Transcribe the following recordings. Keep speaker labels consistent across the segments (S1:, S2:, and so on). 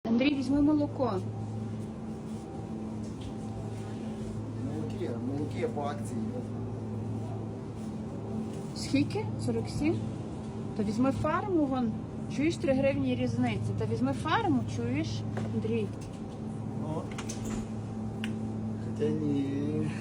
S1: Андрій, візьми молоко.
S2: Молоки по акції.
S1: Скільки? 47? То візьми фарму, вон. Чуєш, 3 гривні різниці. Та візьми фарму, чуєш, Андрій?
S2: Ну, хоча ні.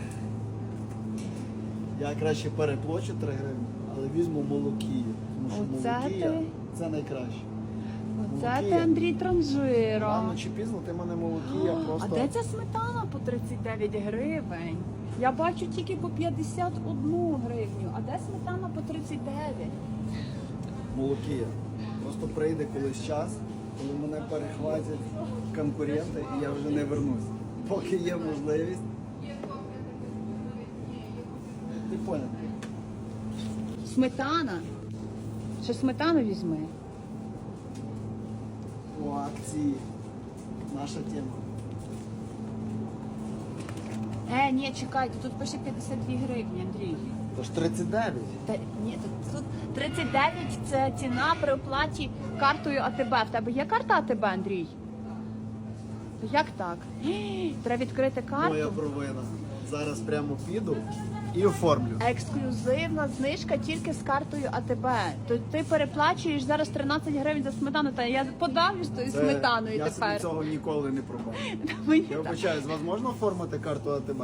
S2: Я краще переплачу 3 гривні, але візьму молокію. Тому що
S1: Оце
S2: молокія
S1: ти?
S2: це найкраще.
S1: Оце ти,
S2: Молокія.
S1: Андрій, транжира.
S2: Рано чи пізно ти мене молокія
S1: А
S2: просто...
S1: де ця сметана по 39 гривень? Я бачу тільки по 51 гривню. А де сметана по 39?
S2: Молокія. Просто прийде колись час, коли мене перехватять конкуренти і я вже не вернусь. Поки є можливість. Ти поняв?
S1: Сметана. Ще сметану візьми.
S2: У акції. Наша тема.
S1: Ні, чекайте, тут пише 52 гривні, Андрій.
S2: Тож 39.
S1: Та ні, тут 39 це ціна при оплаті картою АТБ. В тебе є карта АТБ, Андрій? То як так? Треба відкрити карту.
S2: Моя провина. Зараз прямо піду і оформлю.
S1: Ексклюзивна знижка тільки з картою АТБ. То ти переплачуєш зараз 13 гривень за сметану, та я подавлюсь тою сметаною
S2: я
S1: тепер.
S2: собі цього ніколи не пробав.
S1: Мені
S2: Я
S1: так.
S2: вибачаю, з вас можна оформити карту АТБ?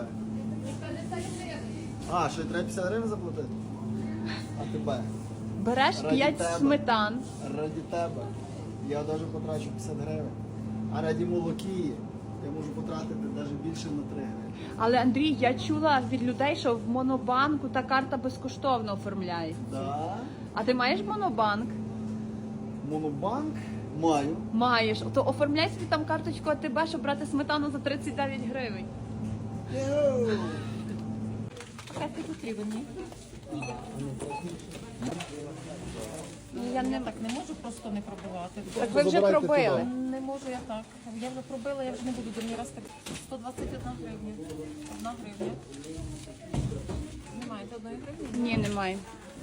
S2: А, ще й треба 50 гривень заплатити? АТБ.
S1: Береш
S2: Раді
S1: 5
S2: тебе.
S1: сметан.
S2: Раді тебе. Я навіть потрачу 50 гривень. А раді молокії я можу потратити навіть більше на 3 гривень.
S1: Але, Андрій, я чула від людей, що в Монобанку та карта безкоштовно оформляється.
S2: Да.
S1: А ти маєш Монобанк?
S2: Монобанк маю.
S1: Маєш. То оформляй собі там карточку АТБ, щоб брати сметану за 39 гривень.
S2: Йоу.
S1: Пакети потрібен, ні? Я не...
S3: Так не можу просто не пробивати.
S1: Так ви вже
S2: Забирайте
S1: пробили.
S2: туди.
S3: Не можу я так. Я вже пробила, я вже не буду другий раз так. 121 гривня. 1 гривня. Немає 1 гривні?
S1: Ні, немає.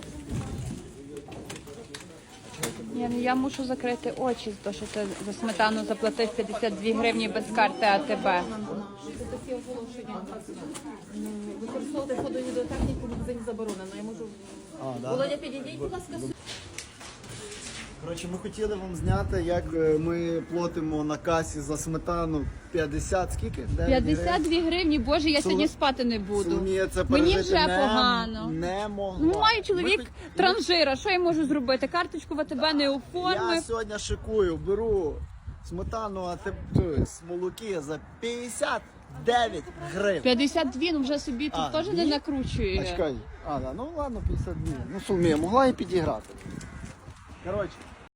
S1: Я мушу закрити очі, то що ти за сметану заплатив 52 гривні без карти АТБ.
S3: Це такі оголошення. Використовувати фото-відеотехніку в магазині заборонено. Я можу...
S2: А, да?
S3: Володя, підійдіть, будь ласка, сюди.
S2: Коротше, ми хотіли вам зняти, як ми платимо на касі за сметану 50, скільки? 9 гривень.
S1: 52 гривні, боже, я сьогодні спати не буду.
S2: Соломія це
S1: Мені
S2: пережити
S1: вже
S2: не,
S1: погано.
S2: не могла.
S1: Ну, маю чоловік
S2: Ми хоч-
S1: транжира, що я можу зробити? Карточку в АТБ не
S2: Я
S1: оформив.
S2: сьогодні шикую, беру сметану, а ти молоки за 59 гривень.
S1: 52, ну вже собі тут
S2: А,
S1: теж
S2: ні?
S1: не
S2: А
S1: накручує.
S2: чекай, да, ну ладно, 52. Ну, Соломія, могла і підіграти. Коротше,